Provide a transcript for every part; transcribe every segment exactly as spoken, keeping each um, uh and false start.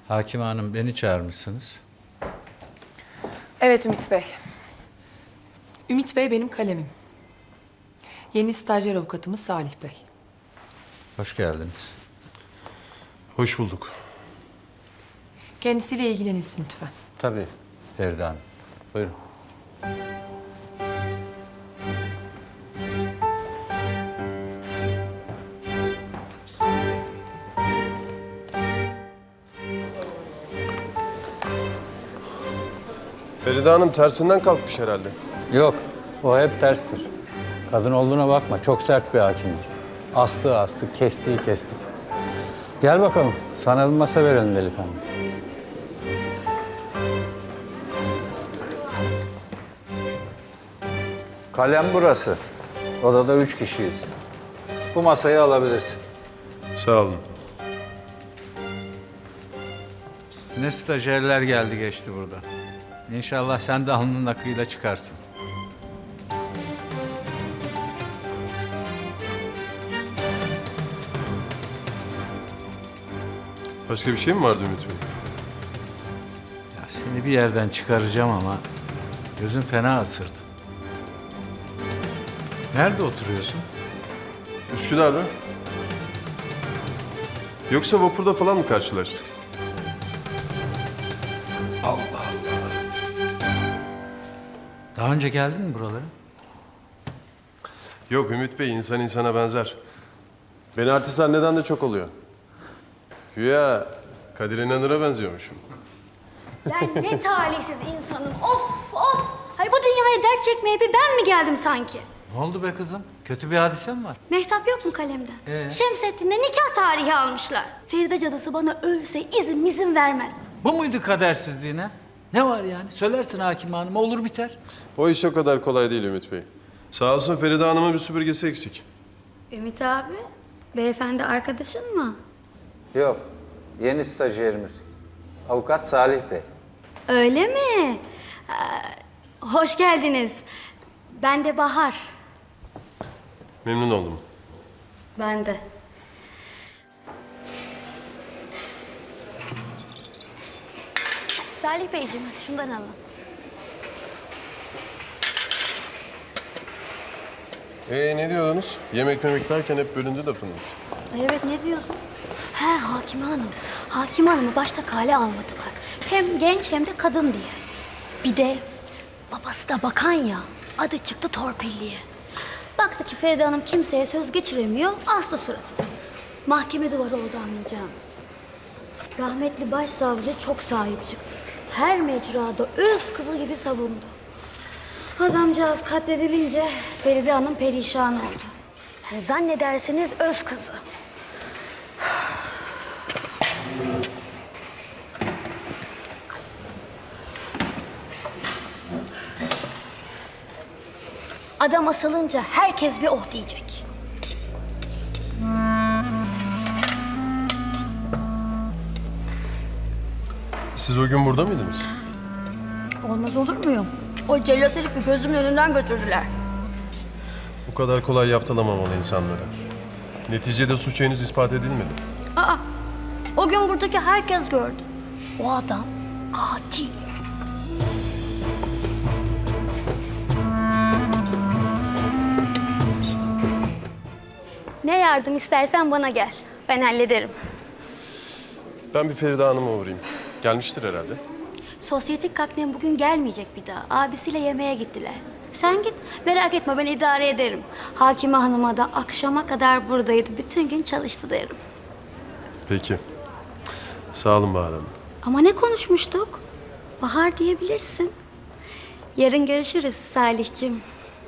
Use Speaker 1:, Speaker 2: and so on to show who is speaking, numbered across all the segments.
Speaker 1: Hakim Hanım, beni çağırmışsınız.
Speaker 2: Evet Ümit Bey. Ümit Bey benim kalemim. Yeni stajyer avukatımız Salih Bey.
Speaker 1: Hoş geldiniz.
Speaker 3: Hoş bulduk.
Speaker 2: Kendisiyle ilgilenilsin lütfen.
Speaker 1: Tabii Feride Hanım. Buyurun.
Speaker 3: Feride Hanım tersinden kalkmış herhalde.
Speaker 1: Yok, o hep terstir. Kadın olduğuna bakma, çok sert bir hakimdir. Astığı astık, kestiği kestik. Gel bakalım, sana bir masa verelim delikanlı. Kalem burası. Odada üç kişiyiz. Bu masayı alabilirsin.
Speaker 3: Sağ olun.
Speaker 1: Ne stajyerler geldi geçti burada. İnşallah sen de alnının akıyla çıkarsın.
Speaker 3: Başka bir şey mi vardı Ümit Bey?
Speaker 1: Ya seni bir yerden çıkaracağım ama gözün fena ısırdı. Nerede oturuyorsun?
Speaker 3: Üsküdar'da. Yoksa vapurda falan mı karşılaştık?
Speaker 1: Allah Allah. Daha önce geldin mi buralara?
Speaker 3: Yok Ümit Bey, insan insana benzer. Beni artist zanneden de çok oluyor. Güya Kadir İnanır'a benziyormuşum.
Speaker 4: Ben ne talihsiz insanım. Of of. Hay bu dünyaya dert çekmeye bir ben mi geldim sanki?
Speaker 1: Ne oldu be kızım? Kötü bir hadise mi var?
Speaker 4: Mehtap yok mu kalemde?
Speaker 1: Ee?
Speaker 4: Şemsettin'de nikah tarihi almışlar. Feride cadısı bana ölse izin izin vermez.
Speaker 1: Bu muydu kadersizliğine? Ne var yani? Söylersin hakim hanıma, olur biter.
Speaker 3: O iş o kadar kolay değil Ümit Bey. Sağ olsun Feride Hanım'ın bir süpürgesi eksik.
Speaker 4: Ümit abi, beyefendi arkadaşın mı?
Speaker 1: Yok, yeni stajyerimiz. Avukat Salih Bey.
Speaker 4: Öyle mi? Ee, hoş geldiniz. Ben de Bahar.
Speaker 3: Memnun oldum.
Speaker 4: Ben de. Salih Beyciğim, şundan alın.
Speaker 3: Ee ne diyordunuz? Yemek memek derken hep bölündü lafınız.
Speaker 4: Ay evet, ne diyorsun? He, Hakime Hanım. Hakime Hanım'ı başta kale almadılar. Hem genç hem de kadın diye. Bir de babası da bakan ya. Adı çıktı torpilliye. Baktı ki Feride Hanım kimseye söz geçiremiyor. Aslı suratını. Mahkeme duvarı oldu anlayacağınız. Rahmetli başsavcı çok sahip çıktı. Her mecrada öz kızı gibi savundu. Adamcağız katledilince Feride Hanım perişan oldu. Yani zannedersiniz öz kızı. Adam asılınca herkes bir oh diyecek.
Speaker 3: Siz o gün burada mıydınız?
Speaker 4: Olmaz olur muyum? O cellat herifi gözümün önünden götürdüler.
Speaker 3: Bu kadar kolay yaftalamamalı insanlara. Neticede suç henüz ispat edilmedi.
Speaker 4: Aa, o gün buradaki herkes gördü. O adam katil. Ne yardım istersen bana gel. Ben hallederim.
Speaker 3: Ben bir Feride Hanım'a uğrayayım. Gelmiştir herhalde.
Speaker 4: Sosyetik kaknem bugün gelmeyecek bir daha. Abisiyle yemeğe gittiler. Sen git, merak etme ben idare ederim. Hakime Hanım'a da akşama kadar buradaydı. Bütün gün çalıştı derim.
Speaker 3: Peki. Sağ olun Bahar Hanım.
Speaker 4: Ama ne konuşmuştuk? Bahar diyebilirsin. Yarın görüşürüz Salih'cim.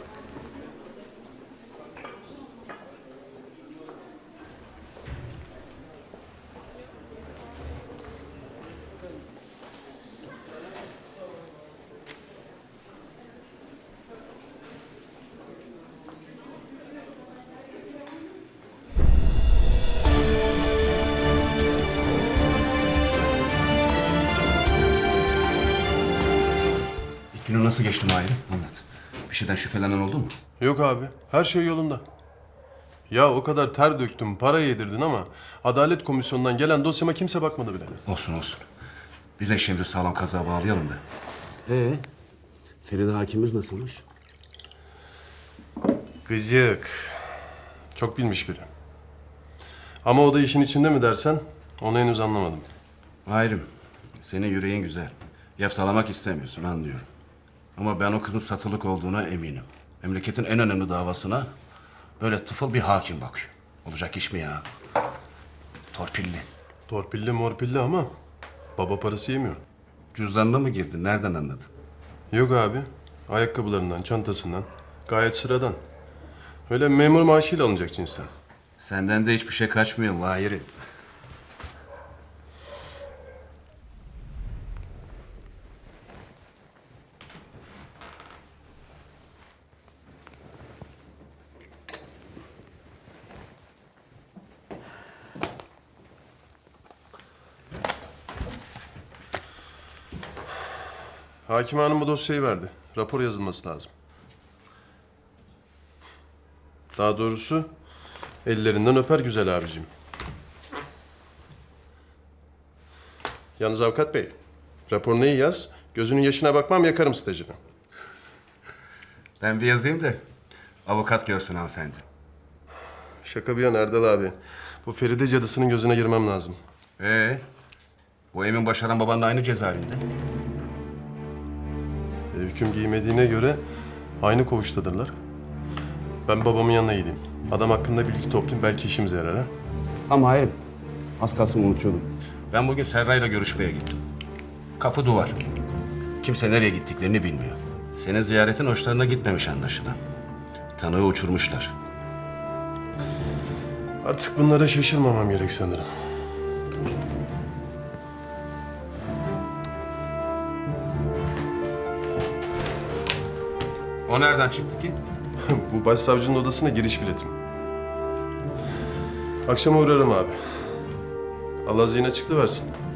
Speaker 5: Günü nasıl geçti Mahir'im? Anlat. Bir şeyden şüphelenen oldu mu?
Speaker 3: Yok abi. Her şey yolunda. Ya o kadar ter döktüm, para yedirdin ama Adalet Komisyonu'ndan gelen dosyama kimse bakmadı bile.
Speaker 5: Olsun olsun. Biz de şimdi sağlam kaza bağlayalım da.
Speaker 6: Ee, Feride hakimimiz nasılmış?
Speaker 3: Gıcık. Çok bilmiş biri. Ama o da işin içinde mi dersen onu henüz anlamadım.
Speaker 5: Hayırım, senin yüreğin güzel. Yaftalamak istemiyorsun, anlıyorum. Ama ben o kızın satılık olduğuna eminim. Memleketin en önemli davasına böyle tıfıl bir hakim bakıyor. Olacak iş mi ya? Torpilli.
Speaker 3: Torpilli morpilli ama baba parası yemiyor.
Speaker 5: Cüzdanına mı girdin? Nereden anladın?
Speaker 3: Yok abi. Ayakkabılarından, çantasından. Gayet sıradan. Öyle memur maaşıyla alınacak cinsten.
Speaker 5: Senden de hiçbir şey kaçmıyor Mahir'im.
Speaker 3: Hakim Hanım bu dosyayı verdi. Rapor yazılması lazım. Daha doğrusu ellerinden öper güzel abicim. Yalnız avukat bey, raporunu iyi yaz. Gözünün yaşına bakmam, yakarım stajını.
Speaker 5: Ben bir yazayım da avukat görsün hanımefendi.
Speaker 3: Şaka bir yana Erdal abi. Bu Feride cadısının gözüne girmem lazım.
Speaker 5: Ee, bu Emin Başaran babanla aynı cezaevinde.
Speaker 3: E, hüküm giymediğine göre aynı koğuştadırlar. Ben babamın yanına gideyim. Adam hakkında bilgi toplayayım, belki işimize yarar ha.
Speaker 6: Ama hayırım. Az kalsın unutuyordum.
Speaker 5: Ben bugün Serra'yla görüşmeye gittim. Kapı duvar. Kimse nereye gittiklerini bilmiyor. Senin ziyaretin hoşlarına gitmemiş anlaşılan. Tanığı uçurmuşlar.
Speaker 3: Artık bunlara şaşırmamam gerek sanırım.
Speaker 5: O nereden çıktı ki?
Speaker 3: Bu başsavcının odasına giriş biletim. Akşama uğrarım abi. Allah zihin açıklığı versin.